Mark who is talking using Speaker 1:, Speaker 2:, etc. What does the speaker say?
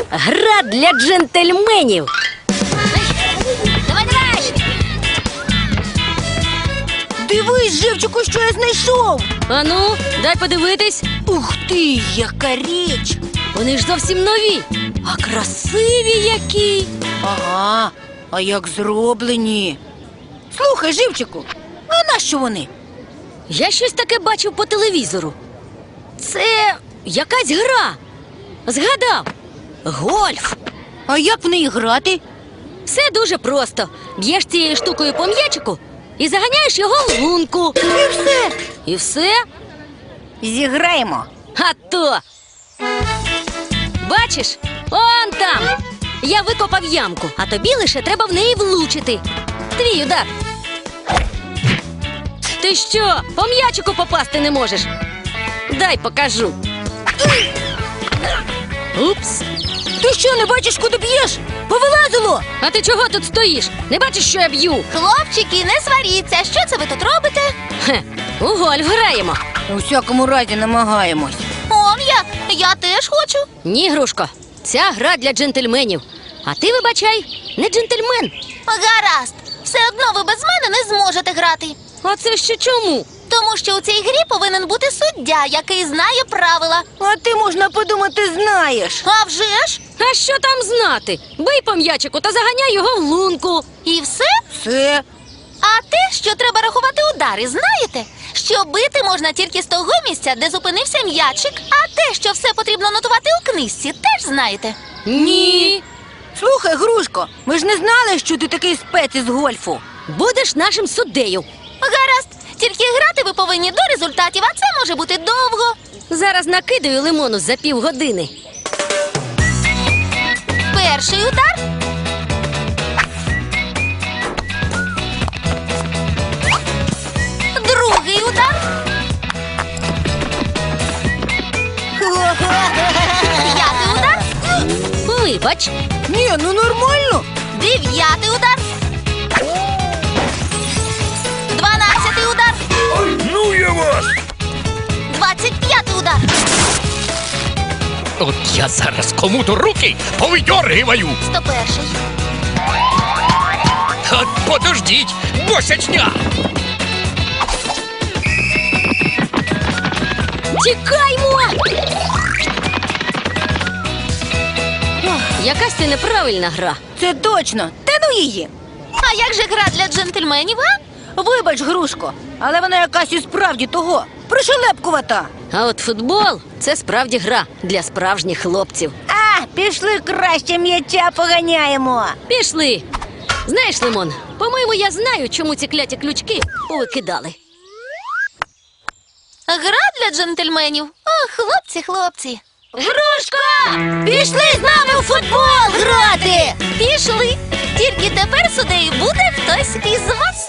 Speaker 1: Гра для джентльменів.
Speaker 2: Давай, давай!
Speaker 3: Дивись, Живчику, що я знайшов.
Speaker 1: Ану, дай подивитись.
Speaker 3: Ух ти, яка річ.
Speaker 1: Вони ж зовсім нові. А красиві які.
Speaker 3: Ага, а як зроблені. Слухай, Живчику, а нащо вони?
Speaker 1: Я щось таке бачив по телевізору. Це якась гра. Згадав. Гольф.
Speaker 3: А як в неї грати?
Speaker 1: Все дуже просто. Б'єш цією штукою по м'ячику і заганяєш його в лунку.
Speaker 3: І все.
Speaker 1: І все?
Speaker 3: Зіграємо.
Speaker 1: А то! Бачиш? Он там! Я викопав ямку, а тобі лише треба в неї влучити. Твій удар. Ти що, по м'ячику попасти не можеш? Дай покажу. Упс.
Speaker 3: Ти що, не бачиш, куди б'єш? Повилазило!
Speaker 1: А ти чого тут стоїш? Не бачиш, що я б'ю?
Speaker 2: Хлопчики, не сваріться. Що це ви тут робите?
Speaker 1: Хе, у гольф граємо.
Speaker 3: У всякому разі намагаємось.
Speaker 2: Я теж хочу.
Speaker 1: Ні, Грушко, ця гра для джентльменів. А ти, вибачай, не джентльмен.
Speaker 2: Гаразд. Все одно ви без мене не зможете грати.
Speaker 1: А це ще чому?
Speaker 2: Тому що у цій грі повинен бути суддя, який знає правила.
Speaker 3: А ти, можна подумати, знаєш.
Speaker 2: А вже ж?
Speaker 1: А що там знати? Бий по м'ячику та заганяй його в лунку.
Speaker 2: І все?
Speaker 3: Все.
Speaker 2: А те, що треба рахувати удари, знаєте? Що бити можна тільки з того місця, де зупинився м'ячик, а те, що все потрібно нотувати у книжці, теж знаєте.
Speaker 1: Ні.
Speaker 3: Слухай, Грушко, ми ж не знали, що ти такий спец із гольфу.
Speaker 1: Будеш нашим суддею.
Speaker 2: Гаразд, тільки грати ви повинні до результатів, а це може бути довго.
Speaker 1: Зараз накидаю лимону за півгодини.
Speaker 2: Перший удар. Другий удар. П'ятий удар.
Speaker 1: Вибач.
Speaker 3: Ні, ну нормально.
Speaker 2: 9-й удар. 12-й удар.
Speaker 4: Ну я вас!
Speaker 2: 25-й удар.
Speaker 4: От я зараз кому-то руки повидьоргиваю!
Speaker 2: 101-й.
Speaker 4: От подождіть, босячня!
Speaker 1: Тікаймо! Якась це неправильна гра.
Speaker 3: Це точно. Та ну її.
Speaker 2: А як же гра для джентльменів, а?
Speaker 3: Вибач, Грушко, але вона якась і справді того. Пришелепкувата.
Speaker 1: А от футбол – це справді гра для справжніх хлопців.
Speaker 3: А, пішли краще м'яча поганяємо.
Speaker 1: Пішли. Знаєш, Лимон, по-моєму, я знаю, чому ці кляті ключки повикидали.
Speaker 2: Гра для джентльменів. О, хлопці.
Speaker 1: Грушко!
Speaker 3: Пішли з нами у футбол грати.
Speaker 2: Пішли. Тільки тепер суддею буде хтось із вас.